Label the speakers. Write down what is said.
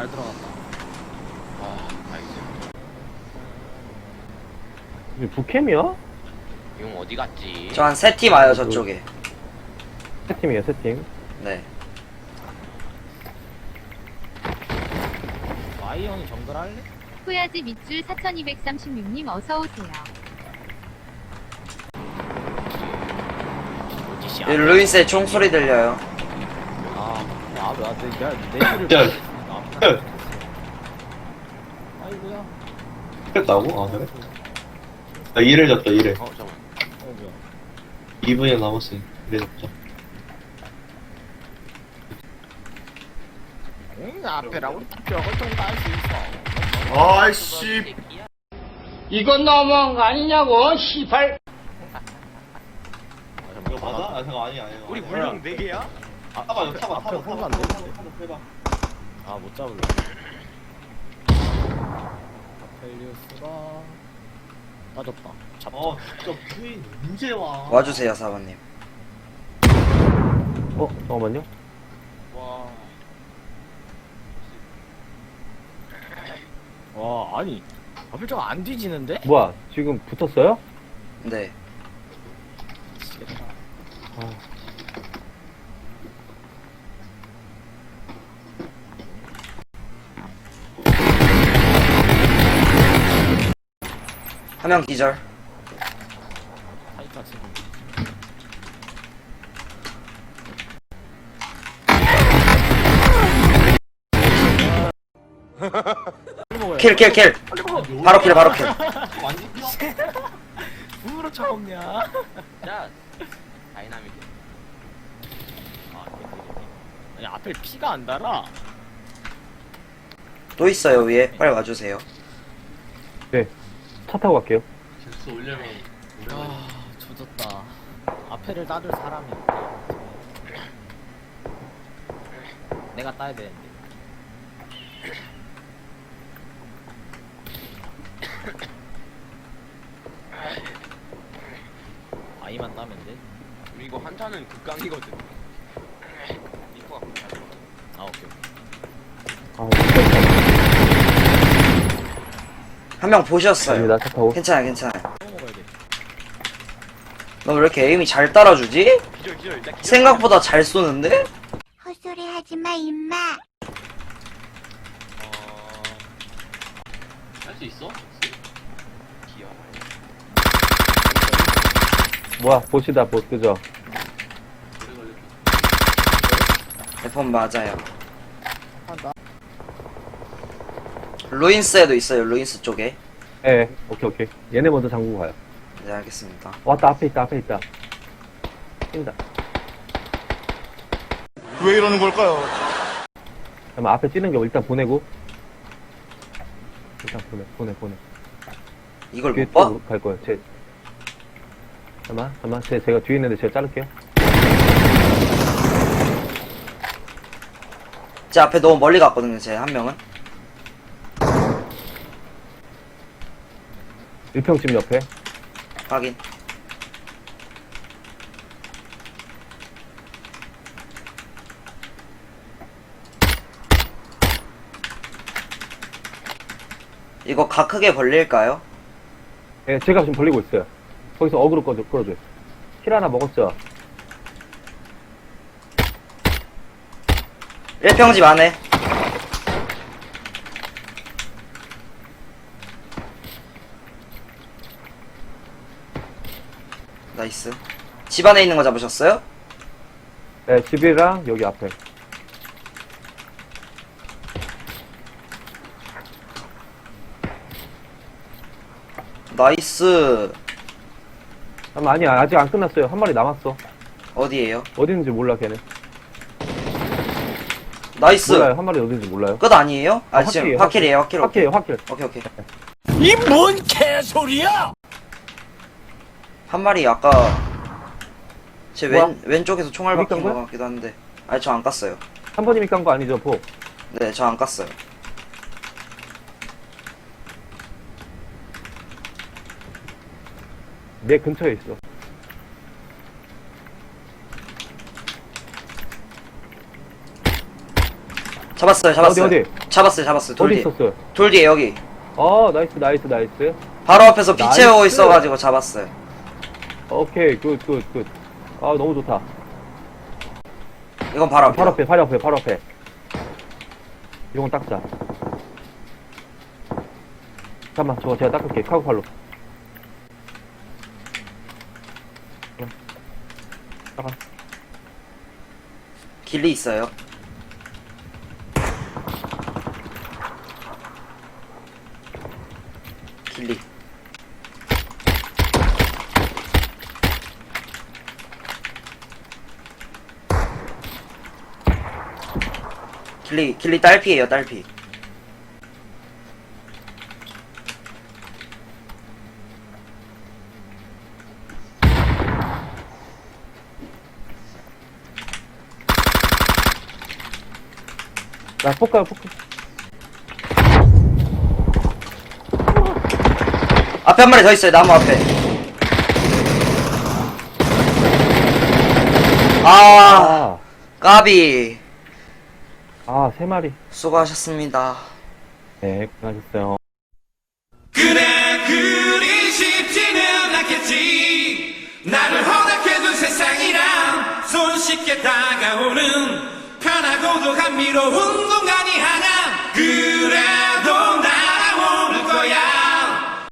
Speaker 1: 잘 들어갔다.
Speaker 2: 아, 나이스.
Speaker 3: 이게 북캠이야?
Speaker 2: 용 어디 갔지?
Speaker 4: 저 한 세 팀 와요 저쪽에.
Speaker 3: 세 팀이에요, 세 팀.
Speaker 4: 네.
Speaker 1: 와이 형이 정글 할래?
Speaker 5: 후야지 밑줄 4236님 어서오세요.
Speaker 1: 어디시
Speaker 4: 여기 루인스의 총소리 들려요.
Speaker 1: 내가 내
Speaker 6: 야,
Speaker 1: 를 아이고야.
Speaker 6: 했다고? 아, 그래? 나 2를 졌다, 2를.
Speaker 2: 잠깐만.
Speaker 1: 뭐야.
Speaker 6: 2분이 남았으니, 2를 졌다.
Speaker 1: 앞에라고 저걸 좀 깔 수 있어.
Speaker 7: 아이씨, 이건 너무한 거 아니냐고, 시발.
Speaker 6: 이거 맞아? 아, 잠깐, 아니야.
Speaker 2: 우리 물용 4개야?
Speaker 6: 타봐, 이거 타봐,
Speaker 1: 앞에
Speaker 6: 타봐,
Speaker 1: 안
Speaker 6: 타봐,
Speaker 1: 되는데.
Speaker 6: 타봐.
Speaker 1: 아, 못 잡을래. 아펠리우스가 빠졌다. 잡.
Speaker 6: 진짜 부인 언제 와?
Speaker 4: 와주세요 사관님.
Speaker 3: 잠깐만요.
Speaker 2: 와.
Speaker 1: 와, 아니. 아펠저가 안 뒤지는데?
Speaker 3: 뭐야, 지금 붙었어요?
Speaker 4: 네.
Speaker 1: 미치겠다.
Speaker 4: 한 명 기절.
Speaker 1: 타이타 지금.
Speaker 4: 킬, 킬, 킬. 바로 킬, 바로 킬.
Speaker 6: 완전 뛰어?
Speaker 1: 누구로 처먹냐?
Speaker 2: 자, 다이나믹.
Speaker 1: 아, 아니, 앞에 피가 안 달아.
Speaker 4: 또 있어요 위에. 빨리 와주세요.
Speaker 3: 네. 차 타고 갈게요.
Speaker 6: 잭스 올려면,
Speaker 1: 아, 조졌다. 앞에를 따줄 사람이 없다. 내가 따야 되는데. 아이만 따면 돼?
Speaker 2: 우리 이거 한타는 극강이거든. 리퍼가 극강.
Speaker 1: 아, 오케이.
Speaker 3: 아, 진짜.
Speaker 4: 한 명 보셨어요.
Speaker 3: 갑니다, 차 타고.
Speaker 4: 괜찮아요, 괜찮아요.
Speaker 1: 또 먹어야 돼.
Speaker 4: 너 왜 이렇게 에임이 잘 따라주지?
Speaker 2: 기절, 기절. 일단 기절.
Speaker 4: 생각보다 잘 쏘는데?
Speaker 5: 헛소리 하지 마 임마.
Speaker 6: 할 수 있어?
Speaker 2: 기어.
Speaker 3: 뭐야, 보시다, 보, 그죠?
Speaker 6: 오래 걸렸겠다.
Speaker 4: F1 맞아요.
Speaker 1: 한다.
Speaker 4: 루인스에도 있어요, 루인스 쪽에.
Speaker 3: 예, 오케이, 오케이. 얘네 먼저 잠그고 가요.
Speaker 4: 네, 알겠습니다.
Speaker 3: 왔다, 앞에 있다, 앞에 있다. 뛴다.
Speaker 7: 왜 이러는 걸까요?
Speaker 3: 잠깐만, 앞에 뛰는 거 일단 보내고. 일단 보내.
Speaker 4: 이걸
Speaker 3: 뒤에
Speaker 4: 못 봐?
Speaker 3: 또 갈 거예요, 잠깐만. 제가 뒤에 있는데 제가 자를게요.
Speaker 4: 제 앞에 너무 멀리 갔거든요, 제 한 명은.
Speaker 3: 1평집 옆에.
Speaker 4: 확인. 이거 각 크게 벌릴까요?
Speaker 3: 예, 제가 지금 벌리고 있어요. 거기서 어그로 끌어줘요. 킬 하나 먹었죠?
Speaker 4: 1평집 안에. 나이스. 집 안에 있는 거 잡으셨어요?
Speaker 3: 네, 집이랑 여기 앞에.
Speaker 4: 나이스.
Speaker 3: 아니야, 아직 안 끝났어요. 한 마리 남았어.
Speaker 4: 어디에요?
Speaker 3: 어디 있는지 몰라, 걔는.
Speaker 4: 나이스.
Speaker 3: 몰라요, 한 마리 어디 있는지 몰라요.
Speaker 4: 끝 아니에요? 아,
Speaker 3: 아,
Speaker 4: 지금
Speaker 3: 확킬이에요,
Speaker 4: 확킬이에요, 확킬.
Speaker 3: 확킬이에요, 확킬.
Speaker 4: 오케이, 오케이.
Speaker 1: 이 뭔 개소리야!
Speaker 4: 한 마리 아까 제
Speaker 3: 뭐야?
Speaker 4: 왼쪽에서 총알
Speaker 3: 여기
Speaker 4: 박힌
Speaker 3: 깐
Speaker 4: 것
Speaker 3: 거야?
Speaker 4: 같기도 한데. 아니, 저 안 깠어요.
Speaker 3: 한 번님이 깐 거 아니죠, 포?
Speaker 4: 네, 저 안 깠어요.
Speaker 3: 내 근처에 있어.
Speaker 4: 잡았어요.
Speaker 3: 어디?
Speaker 4: 잡았어요.
Speaker 3: 어디
Speaker 4: 돌 뒤에.
Speaker 3: 있었어요?
Speaker 4: 돌 뒤에 여기.
Speaker 3: 나이스.
Speaker 4: 바로 앞에서 비
Speaker 3: 나이스.
Speaker 4: 채우고 있어가지고 잡았어요.
Speaker 3: 오케이, 굿. 아, 너무 좋다.
Speaker 4: 이건 바로 앞에.
Speaker 3: 바로 앞에. 이런 건 닦자. 잠깐만, 저거 제가 닦을게. 카고팔로. 닦아.
Speaker 4: 길리 있어요. 길리. 길리 딸피예요, 딸피.
Speaker 3: 나 포크.
Speaker 4: 앞에 한 마리 더 있어요, 나무 앞에.
Speaker 3: 아,
Speaker 4: 까비.
Speaker 3: 3마리.
Speaker 4: 수고하셨습니다.
Speaker 3: 네, 고생하셨어요.
Speaker 8: 그래 그리 쉽지는 않겠지 나를 허락해둔 세상이란 손쉽게 다가오는 편하고도 감미로운 공간이 하나 그래